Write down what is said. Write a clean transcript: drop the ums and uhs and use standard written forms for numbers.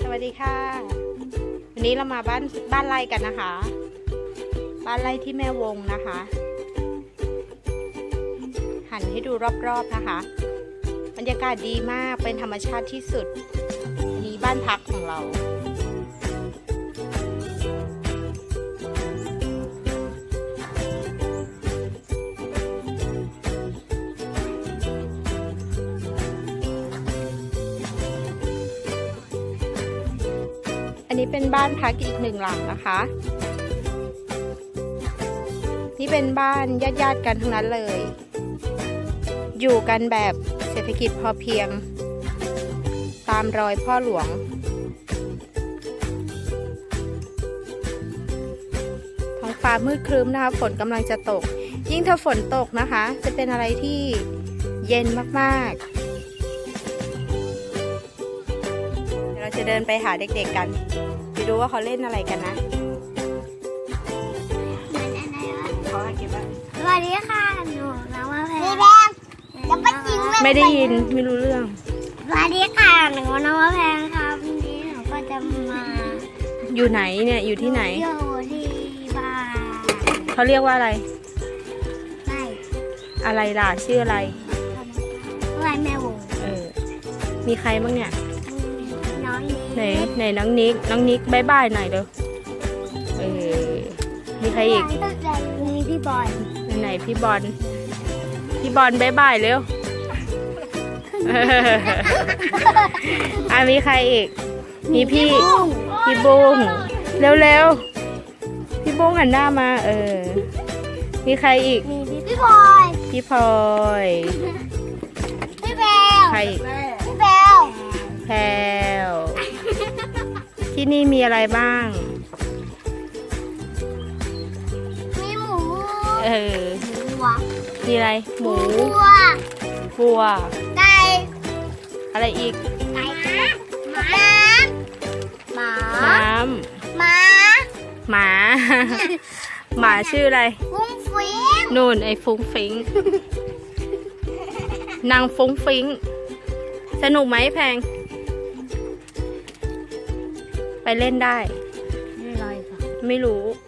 วัสดีค่ะวันนี้เรามาบ้านไร่กันนะคะ บ้านไร่ที่แม่วงนะคะ หันให้ดูรอบๆนะคะ บรรยากาศดีมากเป็นธรรมชาติที่สุดนี่บ้านพักของเราอันนี้เป็นบ้านพักอีกหนึ่งหลังนะคะ นี่เป็นบ้านญาติกันทั้งนั้นเลย อยู่กันแบบเศรษฐกิจพอเพียง ตามรอยพ่อหลวง ท้องฟ้ามืดครึ้มนะคะฝนกำลังจะตก ยิ่งถ้าฝนตกนะคะ จะเป็นอะไรที่เย็นมากๆเดี๋ยวเราจะเดินไปหาเด็กๆกันไปดูว่าเขาเล่นอะไรกันนะเขาเก็บไว้สวัสดีค่ะหนูน้องมะแพงแล้วก็จริงไม่ได้ยินไม่รู้เรื่องสวัสดีค่ะหนูน้องมะแพงครับวันนี้หนูก็จะมาอยู่ไหนเนี่ยอยู่ที่ไหนอยู่ที่บ้านเขาเรียกว่าอะไรไร่อะไรล่ะชื่ออะไรไร่แม่วงมีใครบ้างเนี่ยน้องนี้ไหนน้องนิกบายบายหน่อยเร็วมีใครอีกมีพี่บอยไหนพี่บอลบายบายเร็ว มีใครอีก มีพี่บุ้งเร็วพี่บุ้งหันหน้ามามีใครอีกมีพี่บอยพี่พลอยพี่แบลใครอีกพี่แบลแพรวที่นี่มีอะไรบ้างมีหมู วัวมีอะไรหมูวัว ไก่อะไรอีกไก่หมาน้ำหมาหมา หมาชื่ออะไรฟุ้งฟิ้งนู่นไอ้ฟุ้งฟิงนางฟุ้งฟิงสนุกไหมแพง ไปเล่นได้ไม่ไรค่ะไม่รู้